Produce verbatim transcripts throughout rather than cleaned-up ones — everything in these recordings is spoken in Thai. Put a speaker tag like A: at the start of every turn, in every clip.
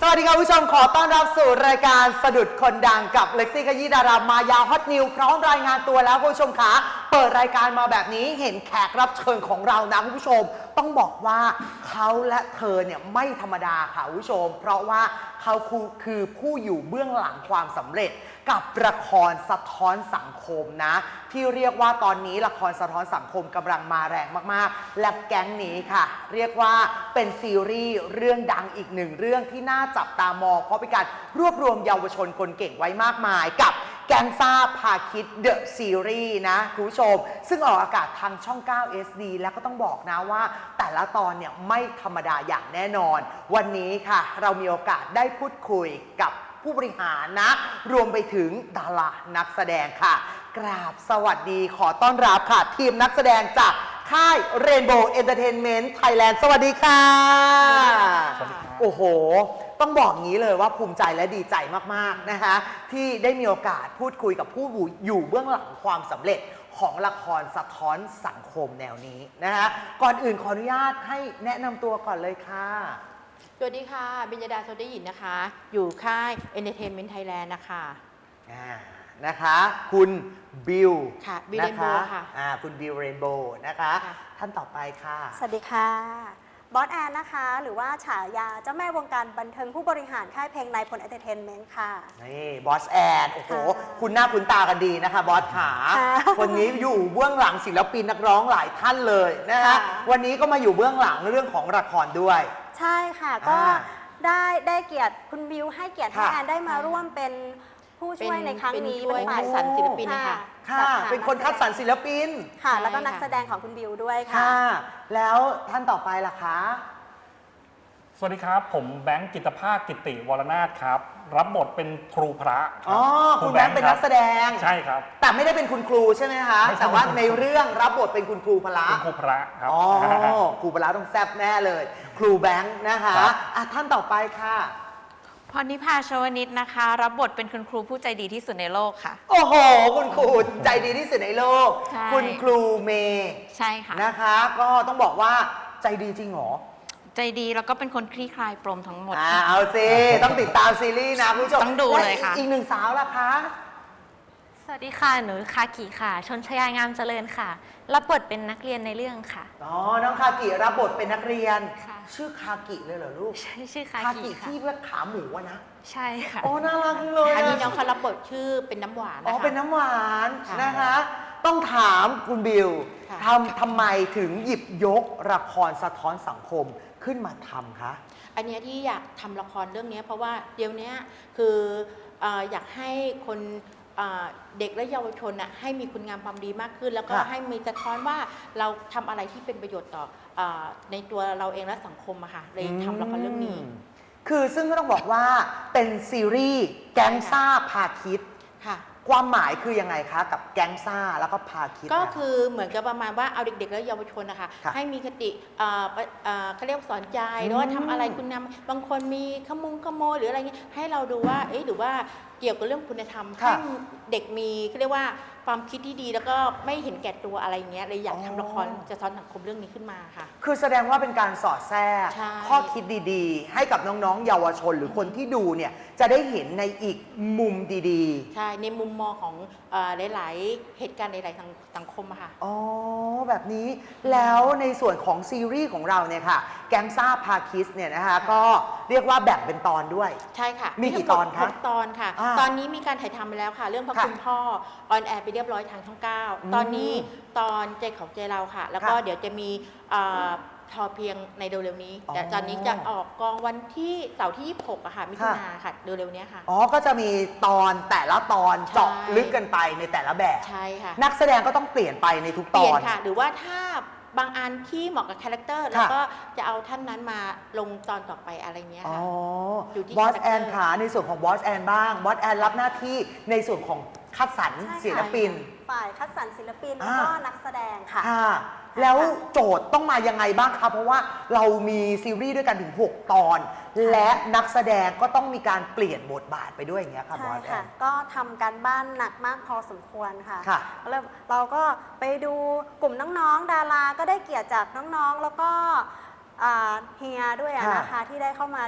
A: วัสดีครับผู้ชมขอต้อนรับสู่รายการสะดุดคนดังกับเล็กซี่ขยี้ดารามายาฮอตนิวพร้อมรายงานตัวแล้วคุณผู้ชมคะเปิดรายการมาแบบนี้เห็นแขกรับเชิญของเรานะคุณผู้ชมต้องบอกว่าเขาและเธอเนี่ยไม่ธรรมดาค่ะคุณผู้ชมเพราะว่าเขาคือผู้อยู่เบื้องหลังความสำเร็จกับละครสะท้อนสังคมนะที่เรียกว่าตอนนี้ละครสะท้อนสังคมกำลังมาแรงมากๆและแก๊งนี้ค่ะเรียกว่าเป็นซีรีส์เรื่องดังอีกหนึ่งเรื่องที่น่าจับตามองเพราะเป็นการรวบรวมเยาวชนคนเก่งไว้มากมายกับแก๊งซ่าพาคิดเดอะซีรีส์นะคุณผู้ชมซึ่งออกอากาศทางช่อง เก้า เอส ดี แล้วก็ต้องบอกนะว่าแต่ละตอนเนี่ยไม่ธรรมดาอย่างแน่นอนวันนี้ค่ะเรามีโอกาสได้พูดคุยกับผู้บริหารนะรวมไปถึงดารานักแสดงค่ะกราบสวัสดีขอต้อนรับค่ะทีมนักแสดงจากค่าย Rainbow Entertainment Thailand สวัสดีค่ะโอ้โหต้องบอกงี้เลยว่าภูมิใจและดีใจมากๆนะคะที่ได้มีโอกาสพูดคุยกับผู้อยู่เบื้องหลังความสำเร็จของละครสะท้อนสังคมแนวนี้นะคะก่อนอื่นขออนุญาตให้แนะนำตัวก่อนเลยค่ะ
B: สวัสดีค่ะบิญญาดาโซได้ยินนะคะอยู่ค่าย Entertainment Thailand นะคะ
A: นะคะคุณบิล
B: ค่ะบิลเรนโบว์ค่ะ
A: อ่าคุณบิลเรนโบว์นะคะท่านต่อไปค่ะ
C: สวัสดีค่ะบอสแอนนะคะหรือว่าฉายาเจ้าแม่วงการบันเทิงผู้บริหารค่ายเพลงนายพลเอนเตอร์เทนเมนต์ค่ะ
A: นี่บอสแอนโอ้โหคุณหน้าคุณตากันดีนะคะบอสขาคนนี้อยู่เบื้องหลังศิลปินนักร้องหลายท่านเลยนะคะวันนี้ก็มาอยู่เบื้องหลังเรื่องของละครด้วย
C: ใช่ค่ะก็ได้ได้เกียรติคุณบิวให้เกียรติให้แอนได้มาร่วมเป็นผู้ช่วยในครั้งนี้
B: เป็นฝ่ายสรรศิลปินค่ะ
A: ค่ะเป็นคนคัดสรรศิลปิน
C: ค่ะแล้วก็นักแสดงของคุณบิวด้วยค่ะ
A: แล้วท่านต่อไปล่ะคะ
D: สวัสดีครับผมแบงค์กิตภาคกิติวรนาถครับรับบทเป็นครูพระ
A: อ๋อคุณแบงค์เป็นนักแสดง
D: ใช่ครับ
A: แต่ไม่ได้เป็นคุณครูใช่ไหมคะแต่ว่าในเรื่องรับบทเป็นคุณครูพระ
D: คุณครูพระครับ
A: อ๋อครูพระต้องแซ่บแน่เลยครูแบงค์นะคะอ่ะท่านต่อไปค่ะ
E: พรนิพาชวนิชนะคะรับบทเป็นคุณครูผู้ใจดีที่สุดในโลกค่ะ
A: โอ้โหคุณครูใจดีที่สุดในโลกคุณครูเมย์
E: ใช่ค่ะ
A: นะคะก็ต้องบอกว่าใจดีจริงเหรอ
E: ใจดีแล้วก็เป็นคนคลี่คลายปรมทั้งหมด
A: อ่าเอาสิต้องติดตามซีรีส์นะคุณผู้ชม
E: ต้องดูเลยค่ะ
A: อีกหนึ่งสาวล่ะคะ
F: สวัสดีค่ะหนูคากิค่ะชนชยางามเจริญค่ะรับบทเป็นนักเรียนในเรื่องค่ะ
A: อ๋อน้องคากิรับบทเป็นนักเรียนชื่อคากิเลยเหรอลูก
F: ใช่ชื่อคากิ
A: ที่ว่าขาหมูอะนะ
F: ใช่ค่ะ
A: โอ้น่ารักเลย
B: อันนี้น้องเขารับบทชื่อเป็นน้ำหวาน
A: อ๋อเป็นน้ำหวานนะคะต้องถามคุณบิวทำทำไมถึงหยิบยกละครสะท้อนสังคมขึ้นมาทำคะ
B: อันนี้ที่อยากทำละครเรื่องนี้เพราะว่าเดี๋ยวนี้คืออยากให้คนเด็กและเยาวชนนะให้มีคุณงามความดีมากขึ้นแล้วก็ให้มีสะท้อนว่าเราทำอะไรที่เป็นประโยชน์ต่อในตัวเราเองและสังคมอะค่ะเลยทำละครเรื่องนี้
A: คือซึ่งก็ต้องบอกว่าเป็นซีรีส์แก๊งซ่าพาคิด
B: ค่ะ
A: ความหมายคือยังไงคะกับแก๊งซ่าแล้วก็พาคิด
B: ก็คือเหมือนกับประมาณว่าเอาเด็กๆและเยาวชนนะคะให้มีคติเขาเรียกสอนใจหรือว่าทำอะไรคุณงามบางคนมีขมุงขโมยหรืออะไรเงี้ยให้เราดูว่าเอ๊ะหรือว่าเกี่ยวกับเรื่องคุณธรรมให้เด็กมีเขาเรียกว่าความคิดที่ดีแล้วก็ไม่เห็นแก่ตัวอะไรเงี้ยเลยอยากทำละครจะสอนสังคมเรื่องนี้ขึ้นมาค่ะ
A: คือแสดงว่าเป็นการสอดแทรกข้อคิดดีๆให้กับน้องๆเยาวชนหรือคนที่ดูเนี่ยจะได้เห็นในอีกมุมดี
B: ๆใช่ในมุมมองของหลายๆเหตุการณ์หลายๆสังคมอะค่ะ
A: อ๋อแบบนี้แล้วในส่วนของซีรีส์ของเราเนี่ยค่ะแก๊งซ่าพาคิสเนี่ยนะคะก็เรียกว่าแบ่งเป็นตอนด้วย
B: ใช่ค่ะ
A: มีกี่ตอนคะ
B: ตอนค่ะตอนนี้มีการถ่ายทำไปแล้วค่ะเรื่องพระคุณพ่อออนแอร์ไปเรียบร้อยทางช่องเก้าตอนนี้ตอนใจของใจเราค่ะแล้วก็เดี๋ยวจะมีทอเพียงในเร็วๆนี้แต่ตอนนี้จะออกกองวันที่เสาร์ที่ยี่สิบหกอะค่ะมิถุนาค่ะเร็วๆนี้ค่ะ
A: อ๋อก็จะมีตอนแต่ละตอนเจาะลึกกันไปในแต่ละแบบ
B: ใช่ค่ะ
A: นักแสดงก็ต้องเปลี่ยนไปในทุกตอน
B: เปลี่ยนค่ะหรือว่าถ้าบางอันที่เหมาะกับคาแรคเตอร์แล้วก็จะเอาท่านนั้นมาลงตอนต่อไปอะไรเงี้ยค่ะ
A: อยู่ที่บอสแอนขาในส่วนของบอสแอนบ้างบอสแอนรับหน้าที่ในส่วนของคัดสรรศิลปิน
C: ฝ่ายคัดสรรศิลปินแล้วก็นักแสดงค่ะ
A: แล้วโจทย์ต้องมายังไงบ้างคะเพราะว่าเรามีซีรีส์ด้วยกันถึงหกตอนและนักแสดงก็ต้องมีการเปลี่ยนบทบาทไปด้วยอย่างเงี้ยค่ะบอสแอน
C: ก็ทำการบ้านหนักมากพอสมควรค่ะแล้วเราก็ไปดูกลุ่มน้องๆดาราก็ได้เกียรติจากน้องๆแล้วก็เฮียด้วยนะคะที่ได้เข้ามาเรียน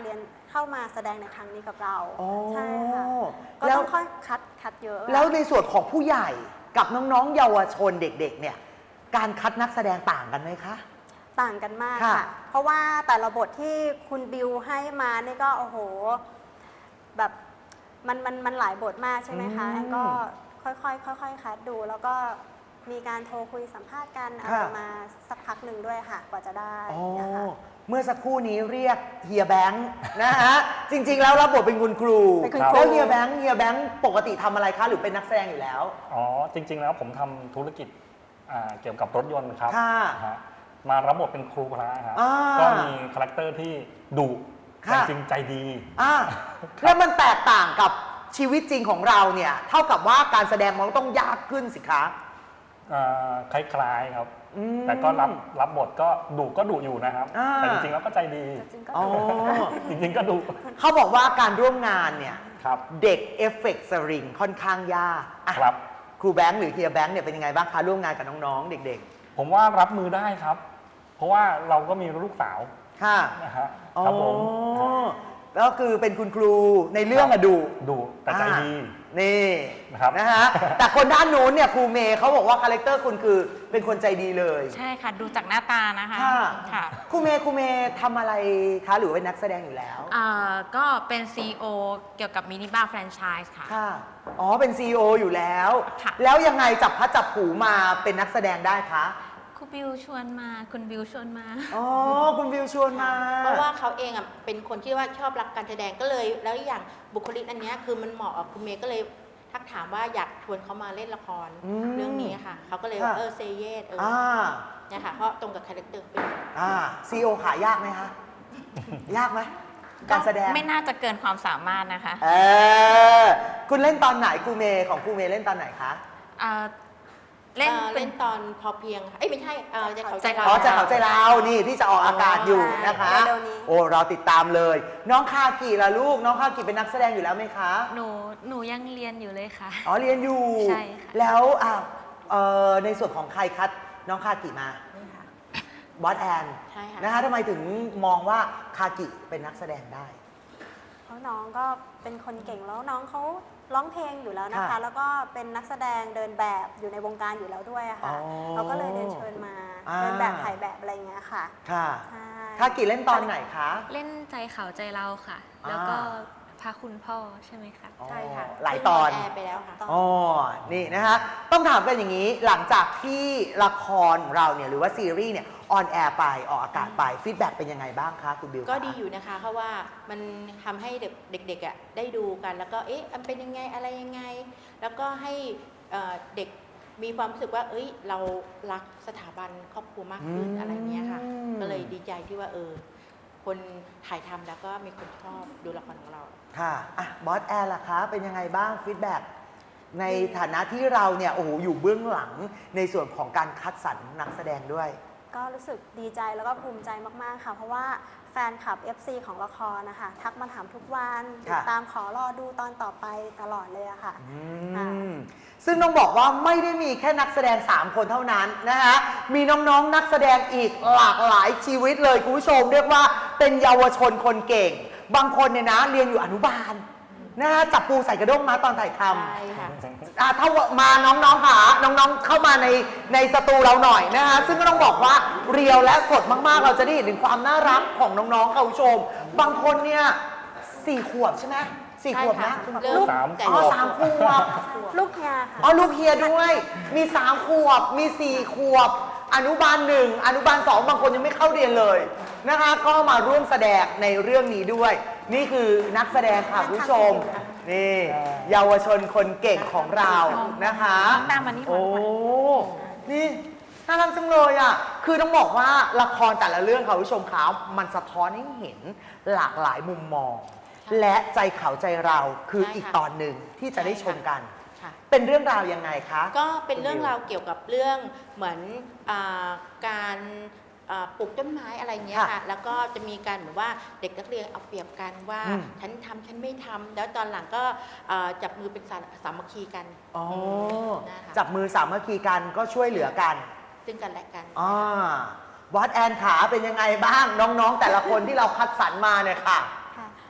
C: เข้ามาแสดงในครั้งนี้กับเรา
A: อ๋อ
C: ใช่ค่ะก็
A: แล้ว
C: ต้องค่อยคัดคัดเยอะ
A: แล้วในส่วนของผู้ใหญ่กับน้องๆ เยาวชนเด็กๆ เนี่ย การคัดนักแสดงต่างกันไหมคะ
C: ต่างกันมาก
A: ค่ะ
C: ค่ะ เพราะว่าแต่ละบทที่คุณบิวให้มานี่ก็โอ้โหแบบมันมันมันหลายบทมากใช่ไหมคะ
A: อืม
C: แอนก็ค่อยๆค่อยๆคัดดู แล้วก็มีการโทรคุยสัมภาษณ์กันอะไร
A: ค่ะ
C: มาสักพักหนึ่งด้วยค่ะ กว่าจะได้
A: อ๋อ
C: นะคะ
A: เมื่อสักครู่นี้เรียกเฮียแบงค์นะฮะ จริงๆ แล้วรับบทเป็นคุณครู
C: เป็นคุณครู
A: แล้วเฮียแบงค์เฮียแบงค์ปกติทำอะไรคะหรือเป็นนักแสดงอยู่แล้ว
D: อ๋อ จริง ๆ แล้วผมทำธุรกิจอ่าเกี่ยวกับรถยนต์ครับ
A: ค่ะ
D: นะฮะมารับบทเป็นครูพระครับ
A: อ่า
D: ก็มีคาแรคเตอร์ที่ดุ
A: ค่ะ
D: แต่จริงใจดี
A: อ่าแล้วมันแตกต่างกับชีวิตจริงของเราเนี่ย เท่ากับว่าการแสดงมันต้องยากขึ้นสิคะ
D: อ่าคล้ายๆครับ
A: อืม
D: แต่ก็รับรับบทก็ดุก็ดุอยู่นะครับ
A: อ่า
D: แต่จริงๆแล้วก็ใจดี
C: จริงๆก็
A: อ๋อ
D: จริงๆก็ดุ
A: เขาบอกว่าการร่วมงานเนี่ย
D: ครับ
A: เด็กเอฟเฟกต์สริงค่อนข้างยากอ่ะ
D: ครับ
A: ครูแบงค์หรือเฮียแบงค์เนี่ยเป็นยังไงบ้างคะร่วมงานกับน้องๆ เด็ก
D: ผมว่ารับมือได้ครับ เพราะว่าเราก็มีลูกสาว
A: ๆ ค่ะ
D: นะฮะครับผม
A: อ๋อแล้วคือเป็นคุณครูในเรื่องอะดุ
D: ดุแต่ใจดี
A: อ่านี่
D: นะครับ
A: นะฮะ แต่คนด้านนู้นเนี่ยครูเมย์เขาบอกว่าคาแรคเตอร์คุณคือเป็นคนใจดีเลย
E: ใช่ค่ะ ดูจากหน้าตานะคะ
A: ค่ะ
E: ค่ะ
A: ครูเมย์ครูเมย์ทำอะไรคะหรือว่าเป็นนักแสดงอยู่แล้ว
E: อ่าก็เป็น ซี อี โอ เกี่ยวกับมินิบาร์แฟรนไชส์ค่ะ
A: ค่ะ อ๋อ เป็น ซี อี โอ อยู่แล้ว
E: ค่ะ
A: แล้วยังไงจับพัดจับผูมาเป็นนักแสดงได้คะ
E: คุณบิวชวนมา คุณบิวชวนมา
A: อ๋อ คุณวิวชวนมา
B: เพราะว่าเขาเองอ่ะเป็นคนที่ว่าชอบรักการแสดงก็เลย แล้วอย่างบุคลิกอันเนี้ยคือมันเหมาะกับคุณเมย์ก็เลยทักถามว่าอยากชวนเขามาเล่นละคร
A: อืม
B: เรื่องนี้ค่ะเขาก็เลยว่า
A: ค่ะ
B: เออเซเยสเออ
A: อ่า
B: เนี่ยค่ะเพราะตรงกับคาแรคเตอร์เป็น
A: อ่า ซี อี โอ ขายากไหมคะ ยากไหม การแสดง
E: ไม่น่าจะเกินความสามารถนะคะ
A: เออ คุณเล่นตอนไหนครูเมย์ของครูเมย์เล่นตอนไหนคะ
E: อ่าเล่น
B: เอ่อ
E: เป็
B: เล่
E: น
B: นตอนพอเพียงเอ้ยไม่ใช่เอ่อใจเขา
E: ใจเขา
A: อ๋อใจเขาใจเรานี่ที่จะออกอากาศอยู่นะคะ
C: เร็วๆนี้
A: โอ้เราติดตามเลย น้องคากิล่ะลูก น้องคากิเป็นนักแสดงอยู่แล้วไหมคะ
E: หนูหนูยังเรียนอยู่เลยค่ะ
A: อ๋อเรียนอยู่
E: ใช่ค่ะ
A: แล้วอ่ะเอ่อในส่วนของใครคัดน้องคากิมา
B: นี่ค่ะ
A: บอสแอน
B: ใช่ค่ะ
A: นะคะทำไมถึงมองว่าคากิเป็นนักแสดงได้
C: เพราะน้องก็เป็นคนเก่งแล้วน้องเขาร้องเพลงอยู่แล้วนะคะ
A: ค่ะ
C: แล้วก็เป็นนักแสดงเดินแบบอยู่ในวงการอยู่แล้วด้วยอะค่ะ
A: อ๋อ
C: เราก็เลยเดินเชิญมา
A: อ่า
C: เดินแบบถ่ายแบบอะไรอย่างเงี้ยค่ะ
A: ค่ะ
C: ใช่
A: คากิเล่นตอนไหนคะ
F: เล่นใจเขาใจเราค่ะ
A: อ่า
F: แล้วก็พาคุณพ่อใช่ไหมคะ
B: ใช่ค่ะ
A: หลายตอน
B: แอร์ไปแล้วค่ะ
A: อ๋อ นี่นะคะต้องถามกันอย่างนี้ หลังจากที่ละครเราเนี่ยหรือว่าซีรีส์เนี่ยออนแอร์ไปออกอากาศไปฟีดแบ็กเป็นยังไงบ้างคะคุณบิว
B: ก็
A: คะ
B: ดีอยู่นะคะ เพราะว่ามันทำให้เด็กเด็กๆอ่ะได้ดูกันแล้วก็เอ๊ะมันเป็นยังไงอะไรยังไง แล้วก็ให้เอ่อเด็กมีความรู้สึกว่า เอ้ย เรารักสถาบันครอบครัวมากขึ้น
A: อืม
B: อะไรเงี้ยค่ะ ก็เลยดีใจที่ว่าเออคนถ่ายทำแล้วก็มีคนชอบดูละครของเรา
A: ค่ะอ่ะบอสแอร์ล่ะคะเป็นยังไงบ้างฟีดแบ็กในฐานะที่เราเนี่ยโอ้โหอยู่เบื้องหลังในส่วนของการคัดสรรนักแสดงด้วย
C: ก็รู้สึกดีใจแล้วก็ภูมิใจมากๆค่ะ เพราะว่าแฟนคลับ เอฟ ซี ของละครนะคะทักมาถามทุกวันติดตามขอรอดูตอนต่อไปตลอดเลยอะค่ะ
A: อื
C: ค่ะ
A: มซึ่งต้องบอกว่าไม่ได้มีแค่นักแสดง สาม คนเท่านั้นนะคะมีน้องๆ นักแสดงอีกหลากหลายชีวิตเลยคุณผู้ชม เรียกว่าเป็นเยาวชนคนเก่ง บางคนเนี่ยนะเรียนอยู่อนุบาลนะคะจับปูใส่กระด้งมาตอนถ่ายท
B: ใช่ค่ะ
A: ำอ่ะถ้ามาน้องๆค่ะน้องๆเข้ามาในในสตูเราหน่อยนะคะซึ่งก็ต้องบอกว่าเรียวและสดมากๆ เราจะได้เห็นถึงความน่ารักของน้องๆค่ะคุณผู้ชม บางคนเนี่ยสี่ขวบใช่ไหมสี่ขวบนะ
B: ใช่ค่ะเริ่ม
D: สาม
B: แต่
A: อ๋อสามขวบ
C: ลูกเฮียค่ะ
A: อ๋อลูกเฮียด้วย มีสามขวบ มีสี่ขวบ อนุบาลหนึ่งอนุบาลสองบางคนยังไม่เข้าเรียนเลยนะคะ ก็มาร่วมแสดงในเรื่องนี้ด้วย นี่คือนักแสดงค่ะคุณผู้ชม นี่เยาวชนคนเก่งของเรานะคะ
E: ตามมานี่
A: โอ้
E: มา
A: นี่น่ารักจังเลยอ่ะ คือต้องบอกว่าละครแต่ละเรื่องค่ะคุณผู้ชมคะมันสะท้อนให้เห็นหลากหลายมุมมอง และใจเขาใจเราคือ
B: ใช่ค่ะ
A: อีกตอนหนึ่งที่จะได้ชมกัน
B: ค่ะ
A: เป็นเรื่องราวยังไงคะ
B: ก็เป็นเรื่องราวเกี่ยวกับเรื่องเหมือนอาการอ่าปลูกต้นไม้อะไรเงี้ย
A: ค่ะ
B: ค่ะ แล้วก็จะมีการเหมือนว่าเด็กนักเรียนเอาเปรียบกันว่า
A: อืม
B: ฉันทำฉันไม่ทำแล้วตอนหลังก็อ่าจับมือเป็นสาสามัคคีกัน
A: อ๋อ
B: นะคะ
A: จับมือสามัคคีกันก็ช่วยเหลือกัน
B: ซึ่งกันและกัน
A: อ่าบอสแอนขาเป็นยังไงบ้างน้องๆ แต่ละคนที่เราคัดสรรมาเนี่ยค่ะ
C: ค่ะ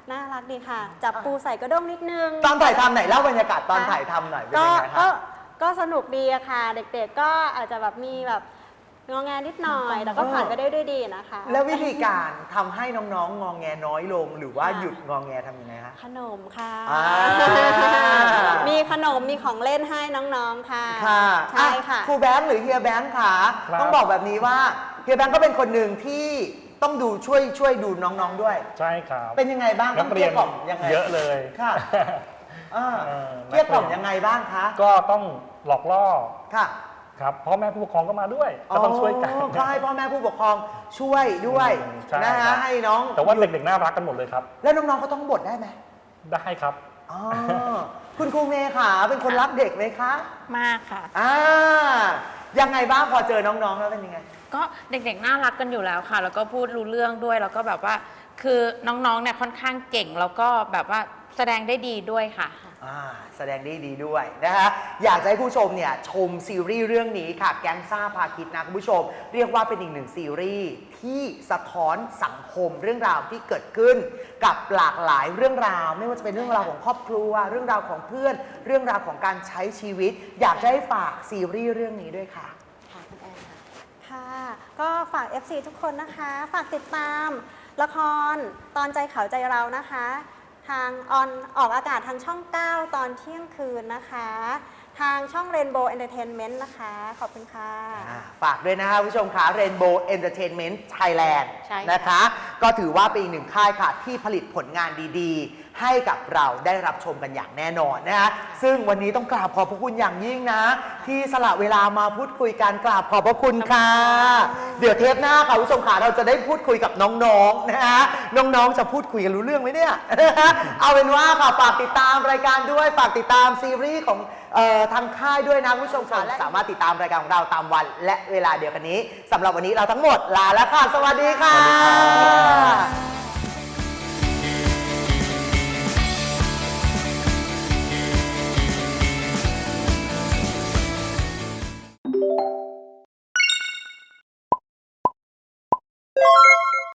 C: น่ารักดีค่ะ จับปูใส่กระด้งนิดนึง
A: ตอนถ่ายทำไหนเล่าบรรยากาศตอนถ่ายทำหน่อยเป็น
C: ก็
A: ยังไงค
C: ก็
A: รับ
C: ก็สนุกดีอะค่ะ เด็กๆก็อาจจะแบบมีแบบงอแงนิดหน่อย แต่ก็ผ่านไปได้ด้วยดีนะคะ
A: แล้ววิธีการทำให้น้องๆ งองแงน้อยลง หรือว่า
C: ค่ะ
A: หยุดงองแงทำยังไงฮะ
C: ขนมค่ะ
A: อ่า
C: มีขนมมีของเล่นให้น้องๆค่ะ
A: ค่ะ
C: ใช่ค่ะ
A: อ่ครูแบงค์หรือเฮียแบงค์ค่ะ
D: ครับ
A: ต้องบอกแบบนี้ว่าเฮียแบงค์ก็เป็นคนหนึ่งที่ต้องดูช่วยช่วยดูน้องๆด้วย
D: ใช่ครับ
A: เป็นยังไงบ้าง
D: นั
A: ต้อง
D: ก
A: เก
D: เรี
A: ลี้
D: ย
A: ย
D: น
A: กล่อมยังไง
D: เยอะเลย
A: ค่ะอ่า
D: เออ
A: เกลี้ยกล่อมยังไงบ้างคะ
D: ก็ต้องหลอกล่อ
A: ค่ะ
D: ครับพ่อแม่ผู้ปกครองก็มาด้วยก็ต้องช่วยกัน
A: ก็ให้พ่อแม่ผู้ปกครองช่วยด้วย
D: อืมใช่
A: นะ
D: ครั
A: ฮะ
D: บ
A: ให้น้อง
D: แต่ว่าเด็กๆน่ารักกันหมดเลยครับ
A: แล้วน้องๆก็ต้องบทได้ไหม
D: ได้ครับ
A: อ๋อคุณครูเมย์ค่ะเป็นคนรักเด็กไหมคะ
E: มากค่ะ
A: อ่ายังไงบ้างพอเจอน้องๆแล้วเป็นยังไง
E: ก็เด็กๆน่ารักกันอยู่แล้วค่ะ แล้วก็พูดรู้เรื่องด้วย แล้วก็แบบว่า คือน้องๆเนี่ยค่อนข้างเก่ง แล้วก็แบบว่าแสดงได้ดีด้วยค่ะ
A: อ่าแสดงได้ดีด้วยนะคะอยากจะให้ผู้ชมเนี่ยชมซีรีส์เรื่องนี้ค่ะแก๊งซ่าพาคิดนะคุณผู้ชม เรียกว่าเป็นอีกหนึ่งซีรีส์ที่สะท้อนสังคมเรื่องราวที่เกิดขึ้นกับหลากหลายเรื่องราว ไม่ว่าจะเป็นเรื่องราวของครอบครัว เรื่องราวของเพื่อน เรื่องราวของการใช้ชีวิต อยากจะให้ฝากซีรีส์เรื่องนี้ด้วยค่ะ
B: ค่ะคุณแอนค่ะ
C: ค่ะ ก็ฝาก เอฟ ซี ทุกคนนะคะ ฝากติดตามละครตอนใจเขาใจเรานะคะ ทางออนออกอากาศทางช่อง เก้า ตอนเที่ยงคืนนะคะ ทางช่อง Rainbow Entertainment นะคะ ขอบคุณค่ะ
A: อ่าฝากด้วยนะคะผู้ชมค่ะ Rainbow Entertainment Thailand
B: ใช่ค่ะ
A: นะคะ ก็ถือว่าเป็นอีกหนึ่งค่ายค่ะ ที่ผลิตผลงานดีๆ ให้กับเราได้รับชมกันอย่างแน่นอนนะคะซึ่งวันนี้ต้องกราบขอบพระคุณอย่างยิ่งนะ ที่สละเวลามาพูดคุยกันกราบขอบพระคุณค่ะ เดี๋ยวเทปหน้าค่ะผู้ชมค่ะเราจะได้พูดคุยกับน้องๆนะคะน้องๆจะพูดคุยกันรู้เรื่องไหมเนี่ย เอาเป็นว่าค่ะฝากติดตามรายการด้วยฝากติดตามซีรีส์ของเอ่อทางค่ายด้วยนะคุณผู้ชมค่ะและสามารถติดตามรายการของเราตามวันและเวลาเดียวกันนี้สำหรับวันนี้เราทั้งหมดลาแล้วค่ะ สวัสดีค่ะ
D: สวัสดีครับ